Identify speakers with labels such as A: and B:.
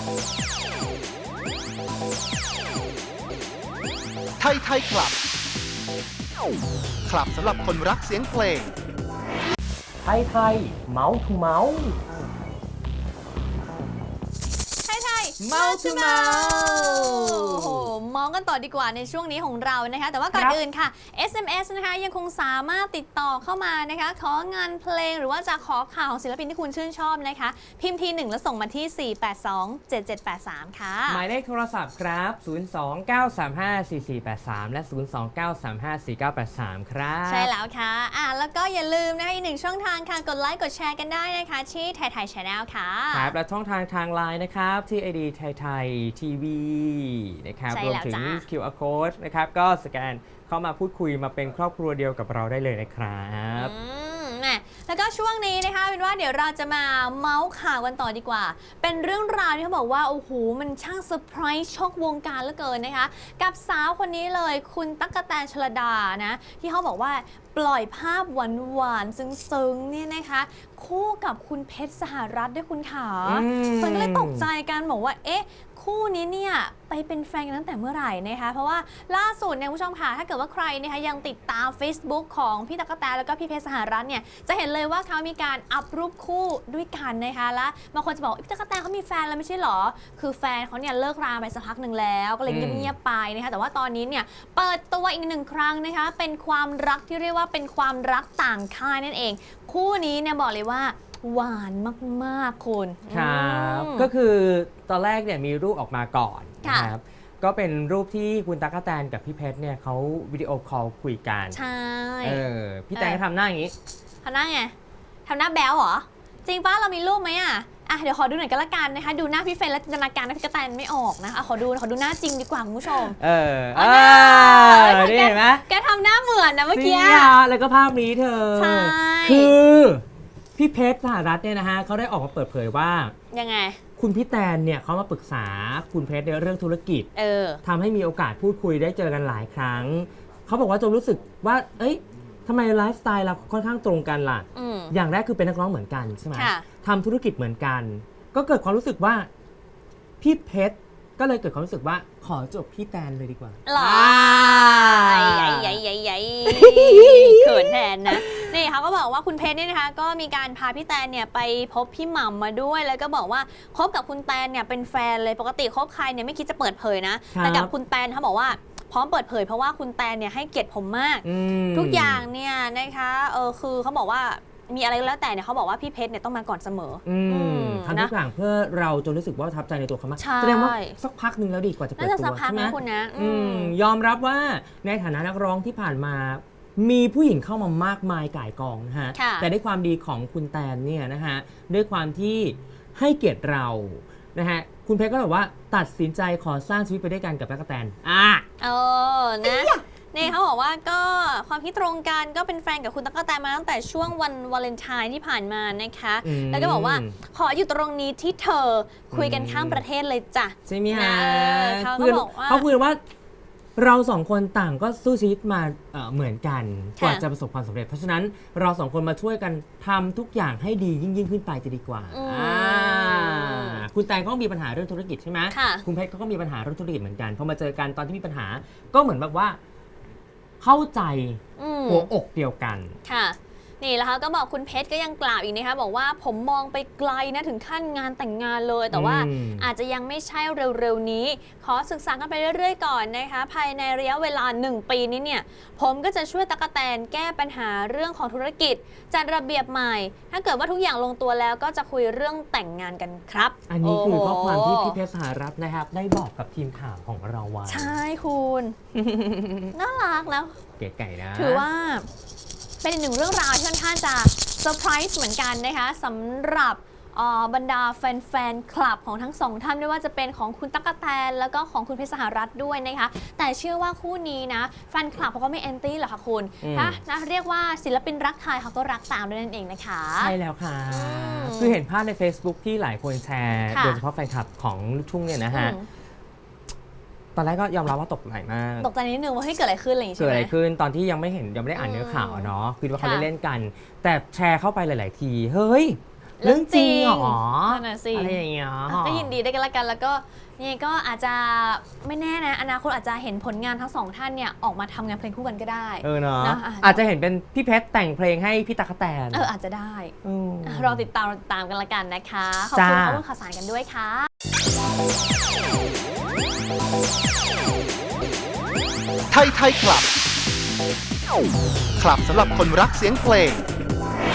A: ไทยไทยคลับ คลับสำหรับคนรักเสียงเพลง
B: ไทยไทยเมาส์ทูเมาส์
C: เมาส์ทูเมาส์โอ้โหมองกันต่อดีกว่าในช่วงนี้ของเรานะคะแต่ว่าก่อนอื่นค่ะ SMS นะคะยังคงสามารถติดต่อเข้ามานะคะของานเพลงหรือว่าจะขอข่าวของศิลปินที่คุณชื่นชอบนะคะพิมพ์ที1แล้วส่งมาที่ 4827783 ค่ะ
B: หมายเลขโทรศัพท์ครับ 029354483 และ 029354983 ครับ
C: ใช่แล้วค่ะแล้วก็อย่าลืมนะคะอีกหนึ่งช่องทางค่ะกดไลค์กดแชร์กันได้นะคะที่ไทยไทย Channel ค่ะ
B: ครับและช่องทางไลน์นะครับที่ ID ไทยไทยทีวีนะครับรวมถึง QR Code นะครับก็สแกนเข้ามาพูดคุยมาเป็นครอบครัวเดียวกับเราได้เลยนะครับ
C: แล้วก็ช่วงนี้นะคะเป็นว่าเดี๋ยวเราจะมาเมาส์ข่าวกันต่อดีกว่าเป็นเรื่องราวที่เขาบอกว่าโอ้โหมันช่างเซอร์ไพรส์ช็อกวงการเหลือเกินนะคะกับสาวคนนี้เลยคุณตั๊กแตน ชลดานะที่เขาบอกว่าปล่อยภาพหวานๆซึ้งๆเนี่ยนะคะคู่กับคุณเพชรสหรัฐด้วยคุณขาคนก็เลยตกใจกันบอกว่าเอ๊ะคู่นี้เนี่ยไปเป็นแฟนกันตั้งแต่เมื่อไหร่นะคะเพราะว่าล่าสุดเนี่ยคุณผู้ชมค่ะถ้าเกิดว่าใครนะคะยังติดตาม Facebook ของพี่ตั๊กแตนแล้วก็พี่เพชรสหรัฐเนี่ยจะเห็นเลยว่าเขามีการอัพรูปคู่ด้วยกันนะคะและบางคนจะบอกพี่ตั๊กแตนเขามีแฟนแล้วไม่ใช่หรอคือแฟนเขาเนี่ยเลิกราไปสักพักหนึ่งแล้วก็เลยเงียบๆไปนะคะแต่ว่าตอนนี้เนี่ยเปิดตัวอีกหนึ่งครั้งนะคะเป็นความรักที่เรียกว่าเป็นความรักต่างค่ายนั่นเองคู่นี้เนี่ยบอกเลยว่าหวานมากๆคุณ
B: ครับก็คือตอนแรกเนี่ยมีรูปออกมาก่อนนะครับก็เป็นรูปที่คุณตั๊กแตนกับพี่เพชรเนี่ยเขาวิดีโอคอลคุยกัน
C: ใช่
B: พี่แตนก็ทำหน้าอย่างนี้
C: ทำหน้าไงทำหน้าแบ๊วเหรอจริงป้าเรามีรูปไหมเดี๋ยวขอดูหน่อยก็แล้วกันนะคะดูหน้าพี่เฟนแล้วจินตนาการนะพี่กระแตนไม่ออกนะคะขอดูหน้าจริงดีกว่าคุณผู้ชม
B: นี่เห็นไหม
C: แกทำหน้าเหมือนนะเมื่อกี้
B: แล้วก็ภาพนี้เธอคือพี่เพชรสหรัฐเนี่ยนะฮะเขาได้ออกมาเปิดเผยว่า
C: ยังไง
B: คุณพี่แตนเนี่ยเขามาปรึกษาคุณเพชรในเรื่องธุรกิจทำให้มีโอกาสพูดคุยได้เจอกันหลายครั้งเขาบอกว่าจนรู้สึกว่าเอ้ยทำไมไลฟ์สไตล์เราค่อนข้างตรงกันล่ะอย่างแรกคือเป็นนักร้องเหมือนกันใช่ไหมทำธุรกิจเหมือนกันก็เกิดความรู้สึกว่าพี่เพชรก็เลยเกิดความรู้สึกว่าขอจบพี่แตนเลยดีกว่า
C: หรอใหญ่เขินแทนนะนี่เขาก็บอกว่าคุณเพชรเนี่ยนะคะก็มีการพาพี่แตนเนี่ยไปพบพี่หม่ำมาด้วยแล้วก็บอกว่าคบกับคุณแตนเนี่ยเป็นแฟนเลยปกติคบใครเนี่ยไม่คิดจะเปิดเผยนะแต่กับคุณแตนเขาบอกว่าพร้อมเปิดเผยเพราะว่าคุณแตนเนี่ยให้เกียรติผมมากทุกอย่างเนี่ยนะคะคือเขาบอกว่ามีอะไรแล้วแต่เนี่ยเขาบอกว่าพี่เพชรเนี่ยต้องมาก่อนเสมอ
B: ทำทุกอย่างเพื่อเราจนรู้สึกว่าประทับใจในตัวเขามากแสดงว่าสักพักหนึ่งแล้วดีกว่าจะเปิดตัวใช่ไหมยอมรับว่าในฐานะนักร้องที่ผ่านมามีผู้หญิงเข้ามามากมายก่ายกองนะฮะแต่ด้วยความดีของคุณแตนเนี่ยนะฮะด้วยความที่ให้เกียรติเรานะฮะคุณเพชรก็แบบว่าตัดสินใจขอสร้างชีวิตไปด้วยกันกับตั๊กแตน
C: นะนี่เขาบอกว่าก็ความคิดตรงกันก็เป็นแฟนกับคุณตั๊กแตนมาตั้งแต่ช่วงวันวาเลนไทน์ที่ผ่านมานะคะแล้วก็บอกว่าขออยู่ตรงนี้ที่เธอคุยกันข้ามประเทศเลยจ้ะ
B: ใช่ไหมฮะเขาบอกว่าเขาคุยว่าเราสองคนต่างก็สู้ชีวิตมาเหมือนกันกว่าจะประสบความสำเร็จเพราะฉะนั้นเราสองคนมาช่วยกันทำทุกอย่างให้ดียิ่งขึ้นไปจะดีกว่าคุณแตงก็มีปัญหาเรื่องธุรกิจใช่ไหมคุณเพชรก็มีปัญหาเรื่องธุรกิจเหมือนกันพอมาเจอกันตอนที่มีปัญหาก็เหมือนแบบว่าเข้าใจหัวอกเดียวกัน
C: ค่ะนี่แล้วก็บอกคุณเพชรก็ยังกล่าวอีกนะคะบอกว่าผมมองไปไกลนะถึงขั้นงานแต่งงานเลยแต่ว่าอาจจะยังไม่ใช่เร็วๆนี้ขอศึกษากันไปเรื่อยๆก่อนนะคะภายในระยะเวลา1 ปีนี้เนี่ยผมก็จะช่วยตั๊กแตนแก้ปัญหาเรื่องของธุรกิจจัดระเบียบใหม่ถ้าเกิดว่าทุกอย่างลงตัวแล้วก็จะคุยเรื่องแต่งงานกันครับ
B: อันนี้คือข้อความที่พี่เพชรสหรัฐนะครับได้บอกกับทีมข่าวของเราไว้
C: ใช่คุณน่ารักแล้ว
B: เก๋ไก่นะ
C: ถือว่าเป็นอีกหนึ่งเรื่องราวที่ค่อนข้างจะเซอร์ไพรส์เหมือนกันนะคะสำหรับบรรดาแฟนคลับของทั้งสองท่านไม่ว่าจะเป็นของคุณตั๊กแตนแล้วก็ของคุณเพชรสหรัฐด้วยนะคะแต่เชื่อว่าคู่นี้นะแฟนคลับเขาก็ไม่แอนตี้หรอกค่ะคุณนะเรียกว่าศิลปินรักใครเขาก็รักตามด้วยนั่นเองนะคะ
B: ใช่แล้วค่ะคือเห็นภาพใน Facebook ที่หลายคนแชร์โดยเฉพาะแฟนคลับของลูกทุ่งเนี่ยนะฮะตอนแรกก็ยอมรับว่าตกใจมาก
C: ตกใจนิดนึงว่าเกิดอะไรขึ้นอะไรอย่างเงี้ย
B: เกิดอะไรขึ้นตอนที่ยังไม่ได้อ่านเนื้อข่าวเนาะคือว่าเขาเล่นกันแต่แชร์เข้าไปหลายๆทีเฮ้ยเรื่องจริงเหรอ
C: นั่นน่ะสิ
B: อะไรอย่างเงี้ย
C: ก็ยินดีได้วยกันละกันแล้วก็นี่ก็อาจจะไม่แน่นะอนาคตอาจจะเห็นผลงานทั้งสองท่านเนี่ยออกมาทำงานเพลงคู่กันก็ได้
B: เนาะ
C: นะ
B: อาจจะเห็นเป็นพี่เพชรแต่งเพลงให้พี่ตั๊กแตน
C: อาจจะได้
B: อืม
C: รอติดตามกันละกันนะคะขอบคุณ
B: จ้า
C: ข้อมูลข่าวสารกันด้วยค่ะ
A: ไทยคลับ คลับสำหรับคนรักเสียงเพลง